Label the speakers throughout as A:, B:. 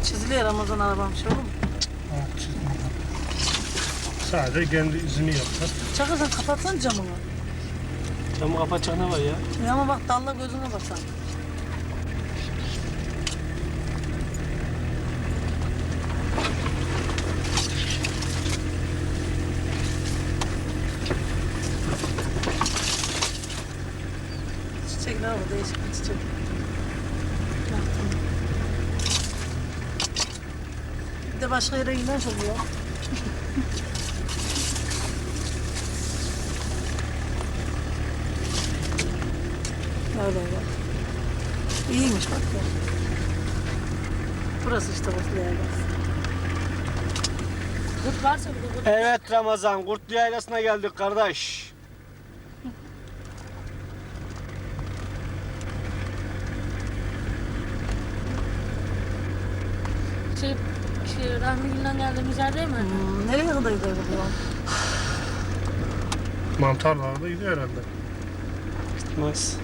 A: Çiziliyor Ramazan arabam şey olur mu?
B: Ah, çizmiyor. Sadece kendi izini yapar.
A: Çakır sen kapatsan camını.
C: Camı kapatacak ne var ya?
A: Ya ama bak dalla gözüne basan. Çiçekler var, değişik bir çiçek. Baktım. Bir de başka yere giden oluyor. Öyle öyle. İyiymiş bak ya. Burası işte Kurtlu Yaylası. Kurt varsa bir de kurt.
C: Evet Ramazan, Kurtlu Yaylası'na geldik kardeş.
D: Rahmi Gül'den geldiğimiz yer değil mi?
A: Nereye kadar gidiyor bu?
B: Mantarlarda gidiyor herhalde.
C: Gitmez.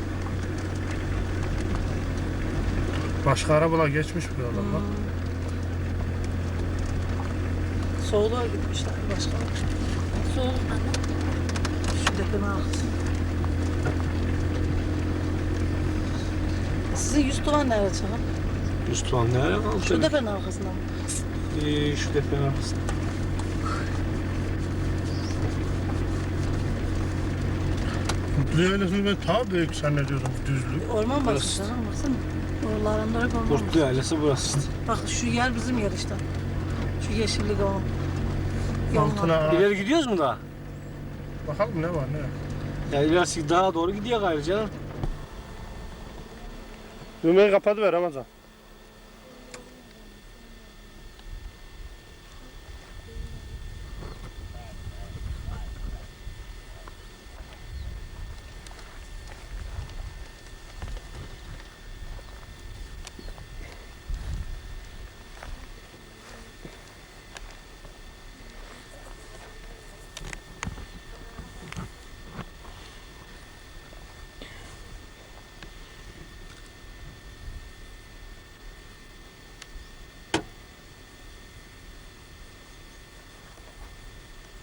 B: Başka arabalar geçmiş bu yoldan bak.
A: Soğuluğa gitmişler başka.
D: Soğuk anne.
A: Şu depreme arkası. Sizin yüz tuvan nerede Çağın?
C: Üstüvan nereye kaldı?
A: Şu depremin arkasında mı?
C: Şu depremin arkasında.
B: Kurtlu Yaylası'nı ben daha büyük zannediyordum, düzlük.
A: Orman
C: Burası.
A: basın canım baksana. Oralarında hep orman
C: Kurtlu
A: var.
C: Yaylası burası işte.
A: Bak şu yer bizim yer işte. Şu yeşillik o.
B: Altına ağaç.
C: İleri gidiyoruz mu daha?
B: Bakalım ne var ne yok.
C: Ya ilerisi daha doğru gidiyor gayrı canım.
B: Düğmeyi kapatıver Ramazan.